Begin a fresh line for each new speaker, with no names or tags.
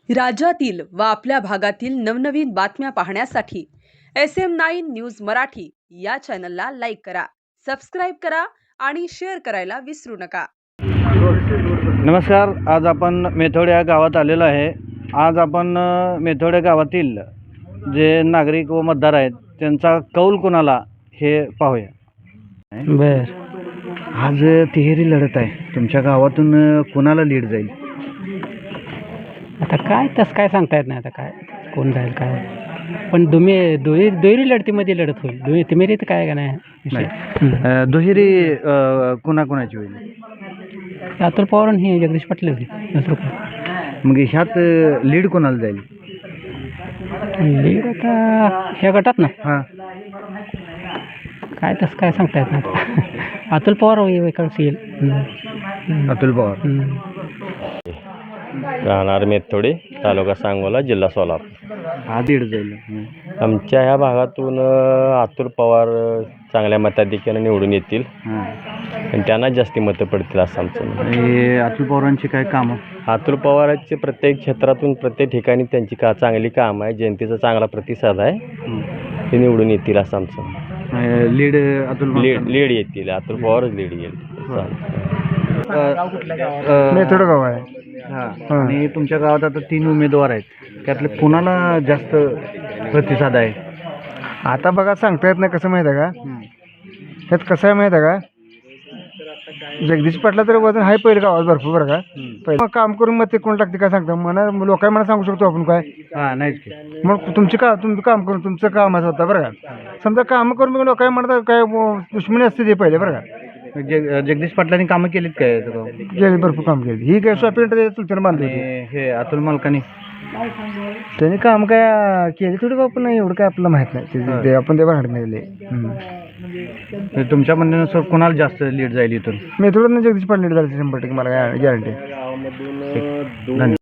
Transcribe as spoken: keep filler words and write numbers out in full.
राज्यातील व आपल्या भागातील नवनवीन बातम्या पाहण्यासाठी S M nine news Marathi या चॅनलला लाईक करा, सबस्क्राईब करा आणि शेअर करायला विसरू नका।
नमस्कार, आज आपण मेथोड या गावात आलेलो आहे। आज आपण मेथोड गावातील जे नागरिक व मतदार आहेत त्यांचा कौल कोणाला हे पाहूया। बर, आज तिहेरी लढत आहे। तुमच्या गावातून कोणाला लीड जाईल?
आता काय तसं काय सांगता येत नाही। आता काय कोण जाईल काय, पण दुमे दुहेरी दुहेरी लढतीमध्ये लढत होईल। दुहेरी तिमेरी तर काय का नाही विषय।
दुहेरी कोणाकोणाची होईल?
अतुल पवार आणि हे जगदीश पाटील दुसरं कोण?
मग ह्यात लीड कोणाला जाईल?
लीड आता ह्या गटात ना
हां,
काय तसं काय सांगता येत नाही। अतुल पवार इकडचं येईल।
अतुल पवार।
राहणार मेथोडे, तालुका सांगोला, जिल्हा सोलापूर।
हा लीड जाईल।
आमच्या ह्या भागातून अ, अतुल पवार अ, चांगल्या मताधिक्याने निवडून येतील
हां,
आणि त्यांना जास्ती मतं पडतील असं आमचं मत.
आणि अतुल पवारांची काय कामं?
अतुल पवारांचे प्रत्येक क्षेत्रातून प्रत्येक ठिकाणी त्यांची का चांगली कामं आहे, जनतेचा चांगला प्रतिसाद आहे, ते निवडून येतील असं आमचं मत.
लीड अतुल
लीड लीड येतील, अतुल पवारच लीड येईल।
मेथोड गाव आहे। हां, आणि तुमच्या गावात आता तीन उमेदवार आहेत, त्यातले कोणाला जास्त प्रतिसाद आहे?
आता बघा, सांगता येत नाही। कसं माहीत आहे का, त्यात कसं आहे माहीत आहे का, जगदीश पाटला तरी वजन आहे पहिलं गावात भरपूर बरं का। पहिलं मग काम करून मग ते कोण टाकते काय सांगता मला, लोकांना मला सांगू शकतो आपण काय।
हां, नाहीच की.
मग तुमचे का तुमचं काम करून तुमचं कामाचं होतं बरं का। समजा कामं करून मग लोकांना म्हणतात काय दुश्मनी असते ते पहिले बरं का।
जग जगदीश पाटलांनी कामं केलीत काय?
गेले भरपूर काम केली। ही काय शॉपिंग चुलत्यानं बांधली होती।
आणि हे अतुल मालकानी
त्यांनी काम काय केली थोडी बाबा, नाही एवढं काय आपल्याला माहित नाही ते- ते आपण ते भांडत नाही दिले।
तुमच्या म्हणण्यानुसार कोणाला जास्त लीड जाईल इथून?
मी थोडं जगदीश पाटील झाले शंभर टक्के, मला काय गॅरंटी।
धन्यवाद.